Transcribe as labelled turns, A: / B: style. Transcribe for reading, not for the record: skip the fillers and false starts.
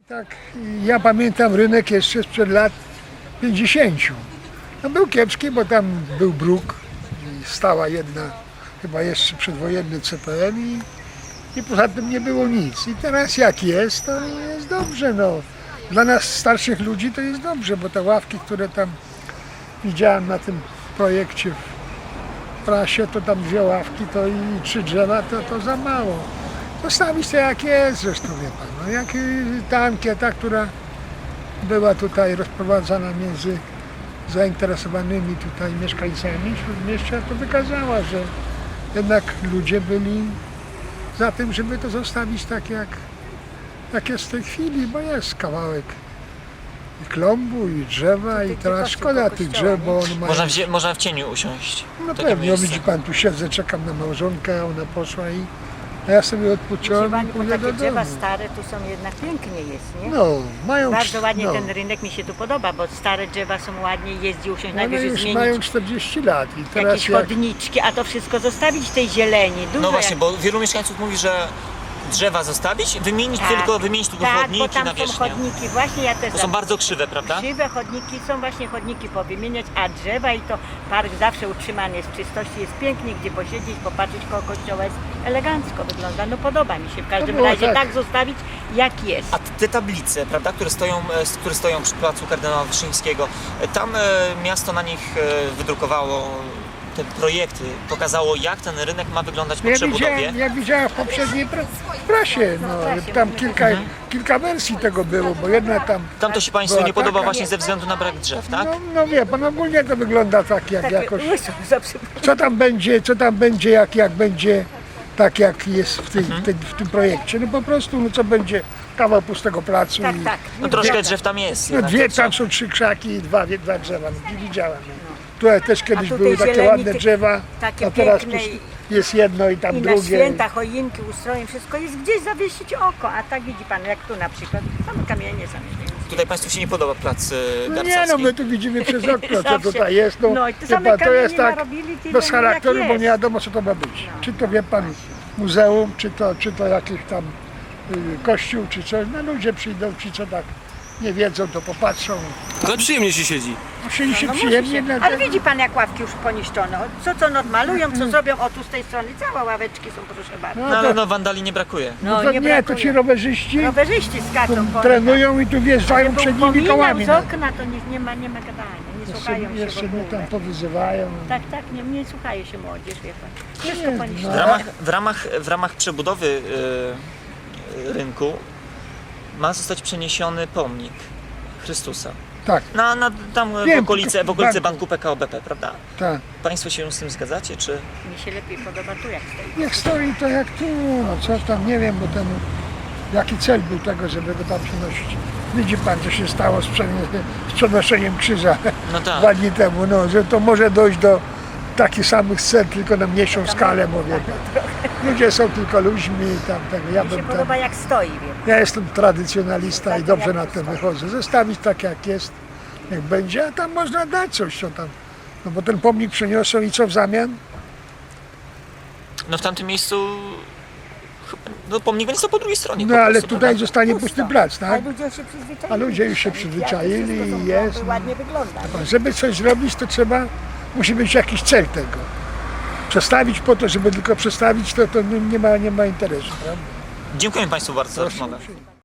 A: Tak, ja pamiętam rynek jeszcze sprzed lat 50. No był kiepski, bo tam był bruk i stała jedna, chyba jeszcze przedwojenny CPN i poza tym nie było nic. I teraz jak jest, to jest dobrze. No. Dla nas starszych ludzi to jest dobrze, bo te ławki, które tam widziałem na tym projekcie w prasie, to tam 2 ławki to i 3 drzewa, to za mało. Zostawić to jak jest zresztą, wie pan. No, jak ta ankieta, która była tutaj rozprowadzana między zainteresowanymi tutaj mieszkańcami Śródmieścia, to wykazała, że jednak ludzie byli za tym, żeby to zostawić tak jak jest w tej chwili, bo jest kawałek i klombu, i drzewa, i teraz szkoda tych drzew, bo on ma...
B: Można w cieniu usiąść.
A: No
B: Takie
A: pewnie,
B: miejsce.
A: widzi pan, tu siedzę, czekam na małżonkę, a ona poszła a ja sobie odpocząłem i pójdę do
C: takie drzewa
A: domu.
C: stare tu są jednak pięknie jest, nie?
A: No, mają...
C: Bardzo ładnie
A: no.
C: ten rynek mi się tu podoba, bo stare drzewa są ładnie, jeździ usiąść,
A: One
C: najwyżej
A: już
C: zmienić
A: mają 40 lat i teraz
C: jakieś
A: jak...
C: chodniczki, a to wszystko zostawić tej zieleni. Dużo
B: No właśnie,
C: jak...
B: bo wielu mieszkańców mówi, że drzewa zostawić, wymienić tylko
C: tak,
B: chodniki
C: bo tam
B: na
C: są
B: wierzchnię.
C: chodniki, właśnie ja też
B: To są bardzo krzywe, prawda?
C: krzywe chodniki, są właśnie chodniki powymieniać, a drzewa i to park zawsze utrzymany jest w czystości, jest pięknie, gdzie posiedzieć, popatrzeć koło kościoła, jest elegancko wygląda, no podoba mi się w każdym
A: było
C: razie
A: tak.
C: tak zostawić jak jest.
B: A te tablice, prawda, które stoją przy placu kardynała Wyszyńskiego, tam miasto na nich wydrukowało te projekty, pokazało, jak ten rynek ma wyglądać po przebudowie.
A: Ja widziałem w poprzedniej prasie, no, tam kilka wersji tego było, bo jedna
B: Tam to się Państwu
A: była
B: nie podoba
A: taka,
B: właśnie ze względu na brak drzew, tak?
A: No wie pan, ogólnie to wygląda tak jak
C: Takie
A: jakoś...
C: łyso, za przeproszeniem.
A: Co tam będzie, jak będzie tak jak jest w tym projekcie. No po prostu, no co będzie kawał pustego placu
C: Tak,
A: i...
C: tak.
B: No troszkę drzew tam jest.
A: No
B: jednak
A: tam są 3 krzaki i dwa drzewa, no, nie widziałem. No. Tutaj też kiedyś
C: tutaj
A: były takie
C: zieleni,
A: ładne drzewa,
C: takie
A: a teraz
C: piękne
A: jest jedno i tam
C: I na
A: drugie.
C: święta, choinki, ustroje, wszystko jest gdzieś zawiesić oko, a tak widzi pan, jak tu na przykład, same kamienie, same zieleni.
B: Tutaj Państwu się nie podoba plac
A: No nie,
B: Garcarski.
A: no my tu widzimy przez okno, co
C: Zawsze.
A: tutaj jest. No,
C: No i te
A: wie
C: same
A: pan, to
C: kamienie
A: jest tak
C: narobili, tyle
A: bez
C: jak
A: charakteru, bo
C: jest.
A: nie wiadomo, co to ma być. Czy to, wie pan, muzeum, czy to jakiś tam kościół, czy coś. No ludzie przyjdą, ci co tak nie wiedzą, to popatrzą.
D: Ale przyjemnie się siedzi.
A: Siedzi się
C: No musi
A: przyjemnie.
C: się.
A: na
C: Ale
A: tym.
C: widzi pan, jak ławki już poniszczone. Co odmalują, co zrobią, o tu z tej strony całe ławeczki są, proszę bardzo.
B: No ale no wandali nie brakuje.
A: No to nie, to
C: brakuje.
A: ci rowerzyści
C: Rowerzyści skaczą po
A: trenują i tu wjeżdżają przed nimi kołami.
C: z okna, to nie ma gadania, nie słuchają się w
A: Jeszcze mnie
C: ogóle.
A: tam powyzywają.
C: Tak, nie słuchają się młodzież, wie pan. Wszystko
A: Nie,
C: poniszczone.
B: W ramach przebudowy rynku ma zostać przeniesiony pomnik Chrystusa.
A: Tak,
B: Tam
A: Wiem,
B: w okolicy
A: tylko
B: banku PKO BP, prawda?
A: tak.
B: Państwo się z tym zgadzacie, czy...
C: Mi się lepiej podoba tu, jak stoi.
A: Jak stoi to jak tu, no co tam, nie wiem, bo ten, jaki cel był tego, żeby go tam przenosić. Widzi pan, co się stało z przenoszeniem krzyża
B: No tak.
A: 2 dni temu, no, że to może dojść do takich samych cel, tylko na mniejszą skalę, mówię. Ludzie są tylko ludźmi i tam tego.
C: Mi się podoba, jak stoi, wie pan.
A: Ja jestem tradycjonalista i
C: Tak,
A: dobrze
C: jak
A: na
C: to
A: tym
C: stoi.
A: wychodzę. Zostawić tak jak jest, jak będzie, a tam można dać coś, co tam. No bo ten pomnik przeniosą i co w zamian?
B: No w tamtym miejscu... No pomnik będzie stał po drugiej stronie
A: No
B: po
A: ale
B: prostu,
A: tutaj
B: prawda?
A: zostanie pusty plac,
C: A
A: tak?
C: ludzie się przyzwyczaili.
A: A ludzie już się
C: Wszystko
A: przyzwyczaili
C: są
A: i
C: domy,
A: jest.
C: ładnie wygląda.
A: Żeby coś zrobić, to musi być jakiś cel tego. Przestawić po to, żeby tylko przestawić, to nie ma interesu, prawda?
B: Dziękuję Państwu bardzo za rozmowę.
A: Proszę.